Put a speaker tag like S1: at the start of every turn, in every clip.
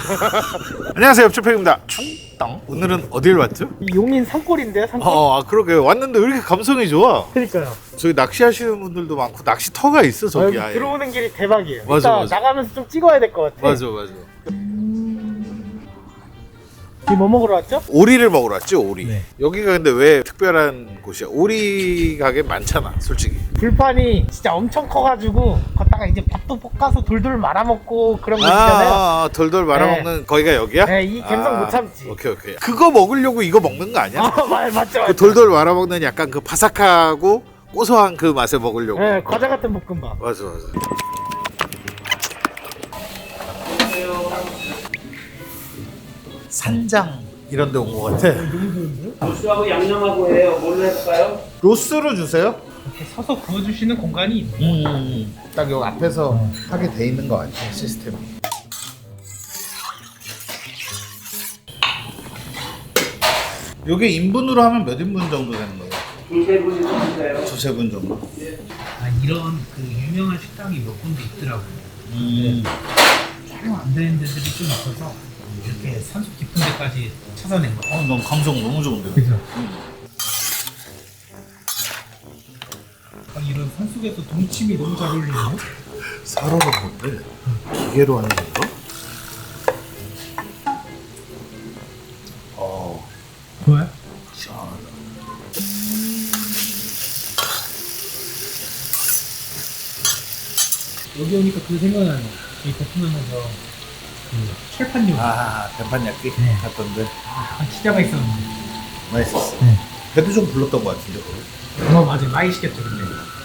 S1: 안녕하세요, 옆집팩입니다. 충땅. 오늘은 어딜 왔죠?
S2: 용인 산골인데요, 산골?
S1: 그러게 왔는데 왜 이렇게 감성이 좋아?
S2: 그러니까요.
S1: 저기 낚시하시는 분들도 많고 낚시터가 있어 저기 아예.
S2: 들어오는 길이 대박이에요.
S1: 맞아,
S2: 이따
S1: 맞아.
S2: 나가면서 좀 찍어야 될 것 같아.
S1: 맞아.
S2: 지금 뭐 먹으러 왔죠?
S1: 오리를 먹으러 왔지, 오리.
S2: 네.
S1: 여기가 근데 왜 특별한 곳이야? 오리 가게 많잖아, 솔직히.
S2: 불판이 진짜 엄청 커가지고 걷다가 이제 밥도 볶아서 돌돌 말아먹고 그런 거 있잖아요.
S1: 돌돌 말아먹는 거기가 여기야?
S2: 네, 이 감성 못 참지.
S1: 오케이. 그거 먹으려고 이거 먹는 거 아니야?
S2: 맞죠.
S1: 그 돌돌 말아먹는 약간 그 바삭하고 고소한 그 맛을 먹으려고.
S2: 네, 과자 같은 볶음밥.
S1: 맞아. 산장 이런 데 온 것 같아.
S3: 로스하고 양념하고 해요. 뭘로 해볼까요?
S1: 로스로 주세요.
S2: 이렇게 서서 구워주시는 공간이 있네.
S1: 딱 여기 앞에서 하게 돼 있는 거 같아, 시스템이. 요게 인분으로 하면 몇 인분 정도 되는 거예요?
S3: 두세 분이 주세요.
S1: 두세 분 정도?
S4: 이런 그 유명한 식당이 몇 군데 있더라고요. 촬영 안 되는 데들이 좀 있어서 이렇게 산속 깊은 데까지 찾아낸 거예요.
S1: 넌 감성 너무 좋은데.
S4: 그죠? 이런 산속에서 동치미 너무 잘 어울리네요.
S1: 사러 간 건데 기계로 하는 건가?
S4: 좋아요?
S1: 시원하다.
S4: 여기 오니까 그 생각나네. 저희 베트남에서 그 철판 요리.
S1: 대판 焼기
S4: 네.
S1: 갔던데
S4: 치자가 있었는데.
S1: 맛있었어.
S4: 네.
S1: 배도 좀 불렀던 것 같은데 거기.
S4: 맞아요. 많이 시켰죠, 근데.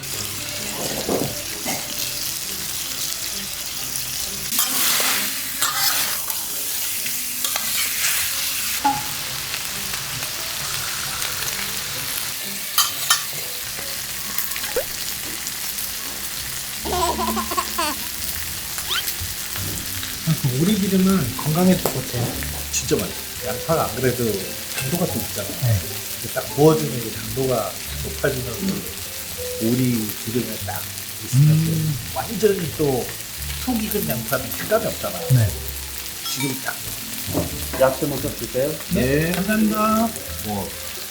S4: 그 오리 기름은 건강에 좋대요.
S1: 진짜 맛있어. 양파가 안 그래도 당도가 좀 있잖아.
S4: 네.
S1: 근데 딱 구워주는 게 당도가 높아지면서 오리 기름에 딱 있으면서 완전히 또 속 익은 양파는 식감이 없잖아.
S4: 네.
S1: 지금 딱.
S3: 야채 먼저 주세요.
S1: 네.
S4: 감사합니다.
S1: 뭐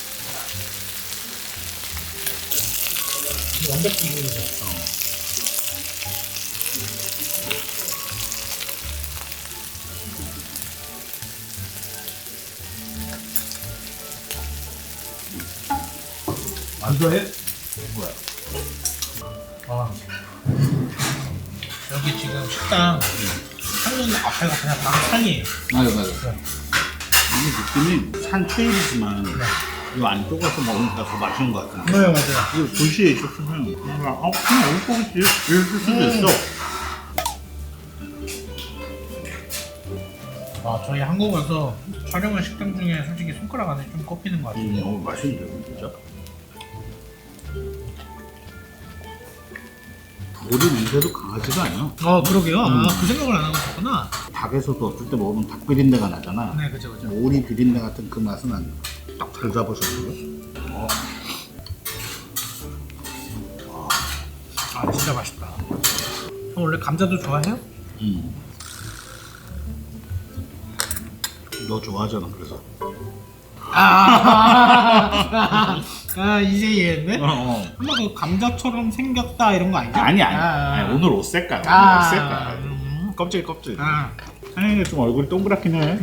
S4: 완벽히 익으셨어.
S1: 이거에 뭐야?
S4: 여기 지금 식당 창문 앞에가 그냥 바로 산이에요.
S5: 맞아. 이게 느낌이 산 트레일이지만 이 안쪽 가서 먹으니까 더 맛있는 것 같은데.
S4: 네, 맞아요.
S5: 이거 도시에 있었으면 그냥 여기 거겠지 이럴 수도 있어.
S4: 저희 한국 와서 촬영한 식당 중에 솔직히 손가락 안에 좀 꼽히는 것 같아요.
S5: 맛있는데 진짜. 오리 냄새도 강하지가 않아.
S4: 그러게요. 그 생각을 안 하고 있었구나.
S5: 닭에서도 어떨 때 먹으면 닭 비린내가 나잖아.
S4: 네, 그죠.
S5: 오리 비린내 같은 그 맛은 안. 딱 잘 잡으셨어요.
S4: 진짜 맛있다. 형 원래 감자도 좋아해요?
S5: 너 좋아하잖아 그래서.
S4: 이제 이해했네?
S5: 어.
S4: 엄마 그 감자처럼 생겼다 이런 거 아니죠?
S5: 아니, 오늘 옷 색깔. 옷 색깔. 껍질. 사장님 좀 얼굴이 동그랗긴 해.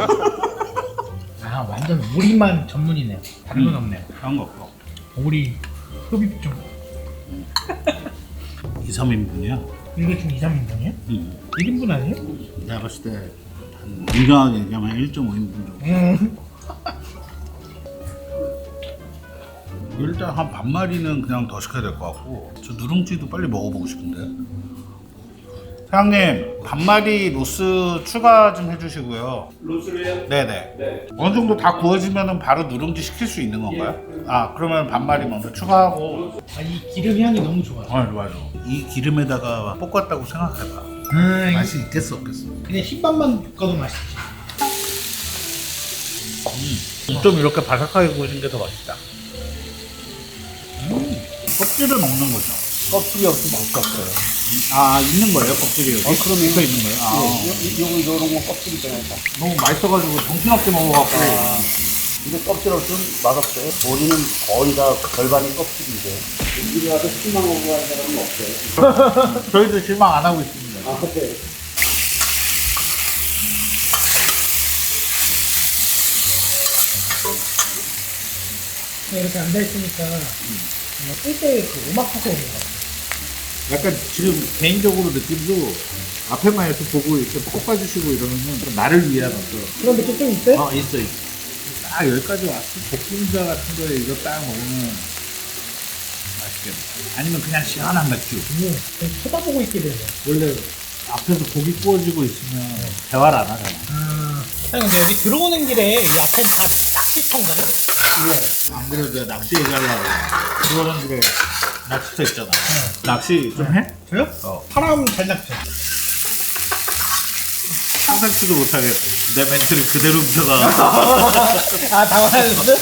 S4: 완전 오리만 전문이네요. 다른 건 없네요.
S5: 그런 거 없고.
S4: 오리 흡입 좀.
S5: 2, 3인분이야.
S4: 이거 지금 2, 3인분이에요? 1인분 아니에요?
S5: 내가 봤을 때 한 건강하게 얘기하면 1.5인분 정도. 일단 한 반마리는 그냥 더 시켜야 될 것 같고 저 누룽지도 빨리 먹어보고 싶은데. 사장님 반마리 로스 추가 좀 해주시고요.
S3: 로스를요?
S5: 네네.
S3: 네.
S5: 어느 정도 다 구워지면 바로 누룽지 시킬 수 있는 건가요? 그러면 반마리 먼저 추가하고.
S4: 이 기름 향이 너무 좋아요.
S5: 맞아. 이 기름에다가 볶았다고 생각해봐. 맛이 있겠어 없겠어?
S4: 그냥 흰밥만 볶아도 맛있지.
S5: 좀 이렇게 바삭하게 구워진 게 더 맛있다. 껍질을 먹는 거죠.
S1: 껍질이 없으면 못 깎아요.
S5: 아 있는 거예요 껍질이 여기?
S6: 그럼요.
S5: 붙어 있는 거예요? 아,
S6: 요런 거 껍질 있잖아요. 다.
S5: 너무 맛있어가지고 정신없게 먹어갖고
S6: 근데 껍질 없으면 맛없어요. 우리는 거의 다 절반이 껍질인데. 여기 와서 실망하고 가는 사람은 없어요.
S5: 저희도 실망 안 하고 있습니다.
S6: 아, 근데
S2: 이렇게 앉아있으니까 쓸때 그 음악하고 오는 거 같아.
S5: 약간 지금 개인적으로 느낌도 앞에만 이렇게 보고 이렇게 볶아주시고 이러면은 좀 나를 위한 어떤
S2: 그런 느낌 좀 있어요?
S5: 있어. 딱 여기까지 왔을 때 볶음자 같은 거에 이거 딱 먹으면 맛있겠네. 아니면 그냥 시원한 맥주.
S2: 그냥 쳐다보고 있게 되네.
S5: 원래 앞에서 고기 구워지고 있으면 대화를 안 하잖아.
S2: 사장님 근데 여기 들어오는 길에 이 앞에 다 낚시터인가요?
S5: 안 그래도 내가 낚시 얘기하려고 들어오는 길에 낚시터 있잖아. 낚시 좀 해?
S2: 저요? 사람 잘 낚죠.
S5: 상상치도 못하게 내 멘트를 그대로 훔쳐가.
S2: 아 당황하셨어?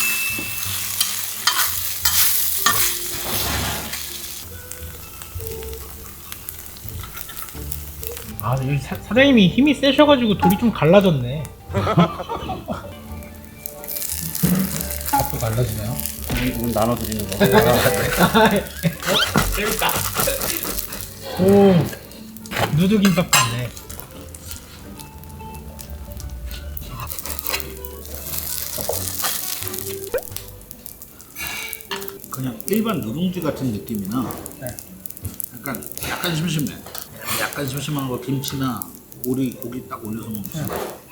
S2: 아 여기 사장님이 힘이 세셔가지고 돌이 좀 갈라졌네. 밥도 갈라지네요.
S6: 이건 나눠드리는 거.
S2: 재밌다. 오 누드김밥 같네.
S5: 그냥 일반 누룽지 같은 느낌이나
S2: 네.
S5: 약간 심심해. 약간 심심한 거 김치나 오리 고기 딱 올려서 먹으면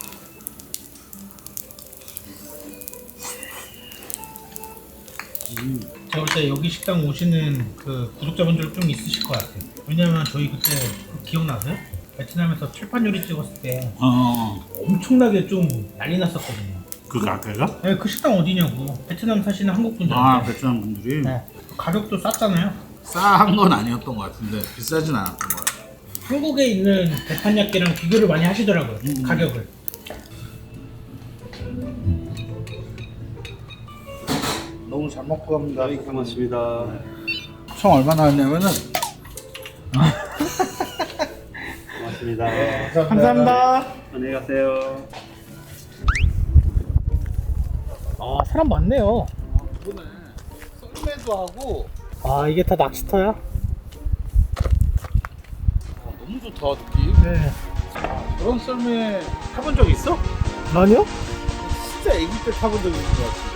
S2: 제가 볼 때 여기 식당 오시는 그 구독자분들 좀 있으실 것 같아요. 왜냐면 저희 그때 기억나세요? 베트남에서 칠판 요리 찍었을 때 엄청나게 좀 난리 났었거든요.
S5: 그 가게가?
S2: 네, 그 식당 어디냐고. 베트남 사시는 한국 분들.
S5: 아 베트남 분들이
S2: 네. 가격도 쌌잖아요.
S5: 싸한 건 아니었던 것 같은데 비싸진 않았던 것 같아요.
S2: 한국에 있는 대판약계랑 비교를 많이 하시더라고요. 가격을.
S5: 너무 잘 먹고 갑니다.
S6: 네, 고맙습니다.
S5: 총 얼마 나왔냐면은
S6: 고맙습니다.
S2: 감사합니다.
S6: 안녕히 가세요.
S2: 아 사람 많네요.
S5: 이번에 썰매도 하고
S2: 아 이게 다 낚시터야?
S5: 너무 좋다 느낌.
S2: 네.
S5: 그런 썰매 타본 적 있어?
S2: 아니요?
S5: 진짜 애기 때 타본 적 있는 것 같아.